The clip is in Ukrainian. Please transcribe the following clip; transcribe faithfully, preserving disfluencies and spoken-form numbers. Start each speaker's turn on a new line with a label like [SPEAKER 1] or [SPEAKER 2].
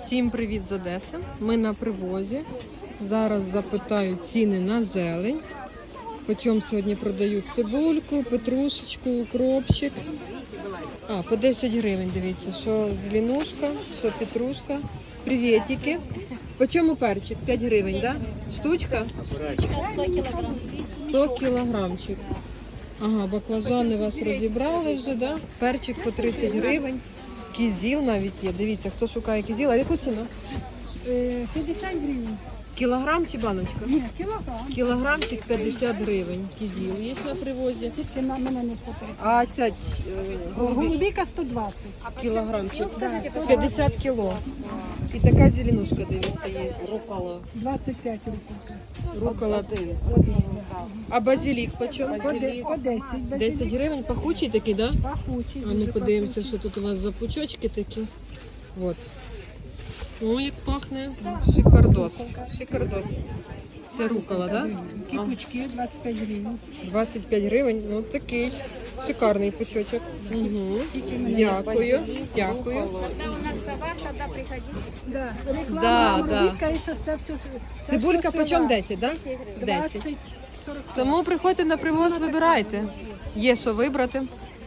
[SPEAKER 1] Всім привіт з Одеси. Ми на привозі. Зараз запитаю ціни на зелень. Почому сьогодні продають цибульку, петрушечку, укропчик. А, по десять гривень, дивіться, що зеленушка, що петрушка. Привітики. Почому перчик? п'ять гривень, так? Да? Штучка?
[SPEAKER 2] сто кілограм.
[SPEAKER 1] сто кілограмчик. Ага, баклажани вас розібрали вже, да? Перчик по тридцять гривень. Кізіл навіть є. Дивіться, хто шукає кізіл. А яку ціну?
[SPEAKER 3] п'ятдесят гривень.
[SPEAKER 1] Кілограм чи баночка?
[SPEAKER 3] Ні, кілограм.
[SPEAKER 1] Кілограмчик п'ятдесят гривень. Кізіл є на привозі.
[SPEAKER 3] Тільки на мене не хватає.
[SPEAKER 1] А ця е, голубі
[SPEAKER 3] Голубіка сто двадцять.
[SPEAKER 1] кілограмчик.
[SPEAKER 3] Да,
[SPEAKER 1] п'ятдесят кіло. І така зеленушка, дивіться, є. Рукола.
[SPEAKER 3] двадцять п'ять років.
[SPEAKER 1] Рукола. А базилік почем?
[SPEAKER 3] По, де- по десять.
[SPEAKER 1] десять гривень. Пахучий такий, так? Да?
[SPEAKER 3] Пахучий.
[SPEAKER 1] А ну
[SPEAKER 3] дуже
[SPEAKER 1] подивимося, що тут у вас за пучочки такі. От. О, як пахне. Шикардос. Шикардос. Це рукола, так? Да?
[SPEAKER 3] Кіпучки двадцять п'ять гривень.
[SPEAKER 1] двадцять п'ять гривень. Ну такий шикарний пучочок. Угу. Дякую. Дякую.
[SPEAKER 2] Когда у нас товар, тогда приходите.
[SPEAKER 3] Да. Реклама,
[SPEAKER 1] Да, да.
[SPEAKER 3] голубіка і зараз це все. це
[SPEAKER 1] Цибулька
[SPEAKER 3] все
[SPEAKER 1] почем
[SPEAKER 3] села.
[SPEAKER 1] десять, так? Да? десять.
[SPEAKER 3] двадцять, сорок.
[SPEAKER 1] Тому приходьте на привоз, вибирайте. Є що вибрати.